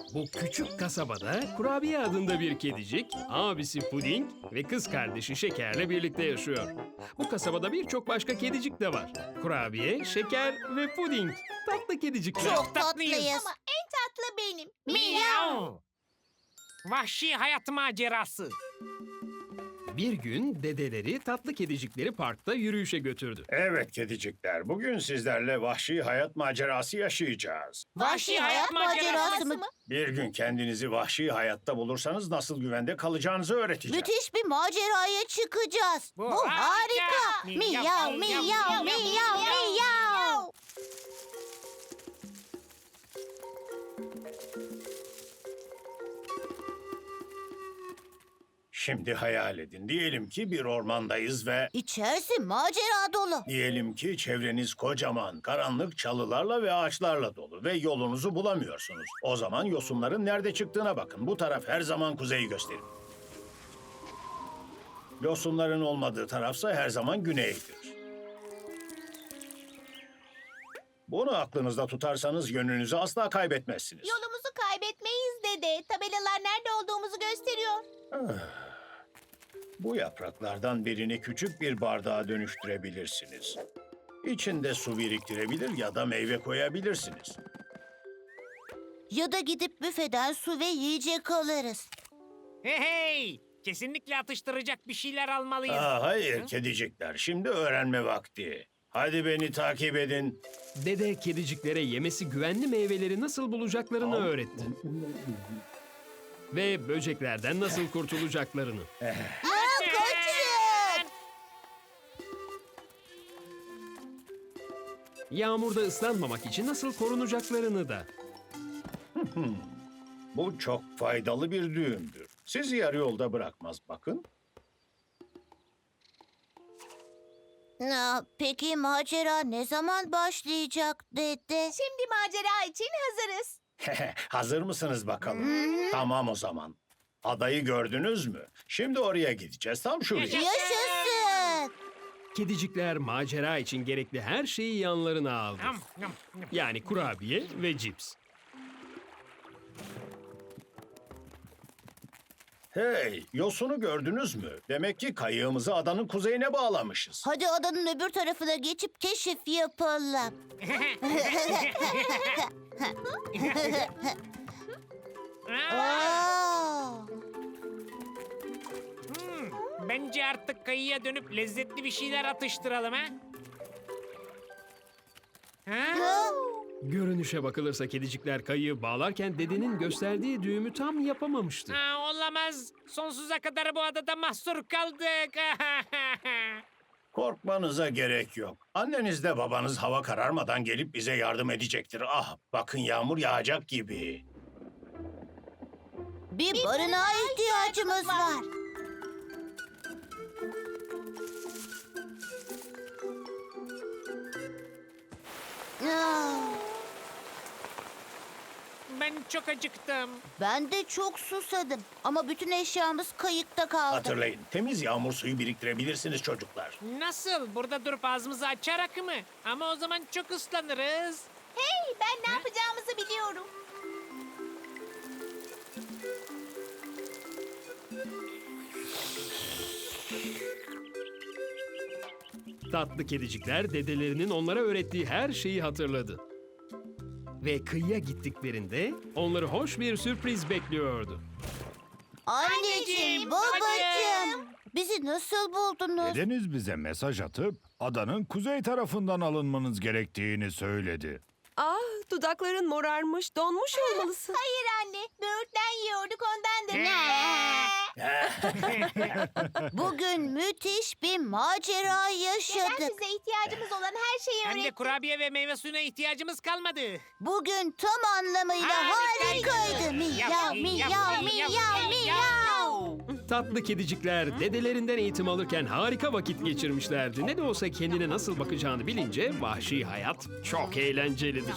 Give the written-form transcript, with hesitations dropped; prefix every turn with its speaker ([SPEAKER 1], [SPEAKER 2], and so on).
[SPEAKER 1] Bu küçük kasabada Kurabiye adında bir kedicik, abisi Puding ve kız kardeşi Şeker'le birlikte yaşıyor. Bu kasabada birçok başka kedicik de var. Kurabiye, Şeker ve Puding. Tatlı kedicikler.
[SPEAKER 2] Çok tatlıyız.
[SPEAKER 3] Ama en tatlı benim.
[SPEAKER 2] Miyav. Vahşi hayat macerası.
[SPEAKER 1] Bir gün dedeleri tatlı kedicikleri parkta yürüyüşe götürdü.
[SPEAKER 4] Evet kedicikler, bugün sizlerle vahşi hayat macerası yaşayacağız.
[SPEAKER 2] Vahşi hayat macerası mı?
[SPEAKER 4] Bir gün kendinizi vahşi hayatta bulursanız nasıl güvende kalacağınızı öğreteceğim.
[SPEAKER 3] Müthiş bir maceraya çıkacağız.
[SPEAKER 2] Bu
[SPEAKER 3] Bu
[SPEAKER 2] harika.
[SPEAKER 3] harika.
[SPEAKER 2] Miyav,
[SPEAKER 3] Miyav,
[SPEAKER 2] miyav,
[SPEAKER 3] miyav,
[SPEAKER 2] miyav,
[SPEAKER 3] miyav, miyav.
[SPEAKER 4] Şimdi hayal edin. Diyelim ki bir ormandayız ve
[SPEAKER 3] İçerisi macera dolu.
[SPEAKER 4] diyelim ki çevreniz kocaman, karanlık çalılarla ve ağaçlarla dolu ve yolunuzu bulamıyorsunuz. O zaman yosunların nerede çıktığına bakın. Bu taraf her zaman kuzeyi gösterir. Yosunların olmadığı tarafsa her zaman güneydir. Bunu aklınızda tutarsanız yönünüzü asla kaybetmezsiniz.
[SPEAKER 3] Yolumuzu kaybetmeyiz dede. Tabelalar nerede olduğumuzu gösteriyor.
[SPEAKER 4] Bu yapraklardan birini küçük bir bardağa dönüştürebilirsiniz. İçinde su biriktirebilir ya da meyve koyabilirsiniz.
[SPEAKER 3] Ya da gidip büfeden su ve yiyecek alırız.
[SPEAKER 2] Hey hey. Kesinlikle atıştıracak bir şeyler almalıyız.
[SPEAKER 4] Hayır kedicikler, şimdi öğrenme vakti. Hadi beni takip edin.
[SPEAKER 1] Dede kediciklere yemesi güvenli meyveleri nasıl bulacaklarını öğretti. Ve böceklerden nasıl kurtulacaklarını.
[SPEAKER 3] Kaçın!
[SPEAKER 1] Yağmurda ıslanmamak için nasıl korunacaklarını da.
[SPEAKER 4] Bu çok faydalı bir düğümdür. Sizi yarı yolda bırakmaz bakın.
[SPEAKER 3] Peki macera ne zaman başlayacak dede?
[SPEAKER 5] Şimdi macera için hazırız.
[SPEAKER 4] Hazır mısınız bakalım? Tamam o zaman. Adayı gördünüz mü? Şimdi oraya gideceğiz. Tam şuraya.
[SPEAKER 3] Yaşasın!
[SPEAKER 1] Kedicikler macera için gerekli her şeyi yanlarına aldı.
[SPEAKER 2] Yum, yum, yum.
[SPEAKER 1] Yani kurabiye ve cips.
[SPEAKER 4] Hey, yosunu gördünüz mü? Demek ki kayığımızı adanın kuzeyine bağlamışız.
[SPEAKER 3] Hadi adanın öbür tarafına geçip keşif yapalım. Aa!
[SPEAKER 2] Bence artık kayıya dönüp lezzetli bir şeyler atıştıralım ha? Ha?
[SPEAKER 1] Görünüşe bakılırsa kedicikler kayığı bağlarken dedenin gösterdiği düğümü tam yapamamıştı.
[SPEAKER 2] Olamaz. Sonsuza kadar bu adada mahsur kaldık.
[SPEAKER 4] Korkmanıza gerek yok. Anneniz de babanız hava kararmadan gelip bize yardım edecektir. Ah, bakın yağmur yağacak gibi.
[SPEAKER 3] Bir barınağa ihtiyacımız var. Aa,
[SPEAKER 2] Ben çok acıktım.
[SPEAKER 3] Ben de çok susadım ama bütün eşyamız kayıkta kaldı.
[SPEAKER 4] Hatırlayın, temiz yağmur suyu biriktirebilirsiniz çocuklar.
[SPEAKER 2] Nasıl? Burada durup ağzımızı açarak mı? Ama o zaman çok ıslanırız.
[SPEAKER 5] Hey, ben ne yapacağımızı biliyorum.
[SPEAKER 1] Tatlı kedicikler dedelerinin onlara öğrettiği her şeyi hatırladı. Ve kıyıya gittiklerinde onları hoş bir sürpriz bekliyordu.
[SPEAKER 3] Anneciğim, babacığım. Bizi nasıl buldunuz?
[SPEAKER 6] Dedeniz bize mesaj atıp adanın kuzey tarafından alınmanız gerektiğini söyledi.
[SPEAKER 7] Ah, dudakların morarmış, donmuş olmalısın.
[SPEAKER 5] Hayır anne, böğürtlen yiyorduk ondandır.
[SPEAKER 3] Bugün müthiş bir macera
[SPEAKER 5] Neden
[SPEAKER 3] yaşadık.
[SPEAKER 5] bize ihtiyacımız olan her şeyi
[SPEAKER 2] Hem de
[SPEAKER 5] öğretti?
[SPEAKER 2] kurabiye ve meyve suyuna ihtiyacımız kalmadı.
[SPEAKER 3] Bugün tam anlamıyla harikaydı. Miyav, miyav, miyav, miyav.
[SPEAKER 1] Tatlı kedicikler dedelerinden eğitim alırken harika vakit geçirmişlerdi. Ne de olsa kendine nasıl bakacağını bilince vahşi hayat çok eğlencelidir.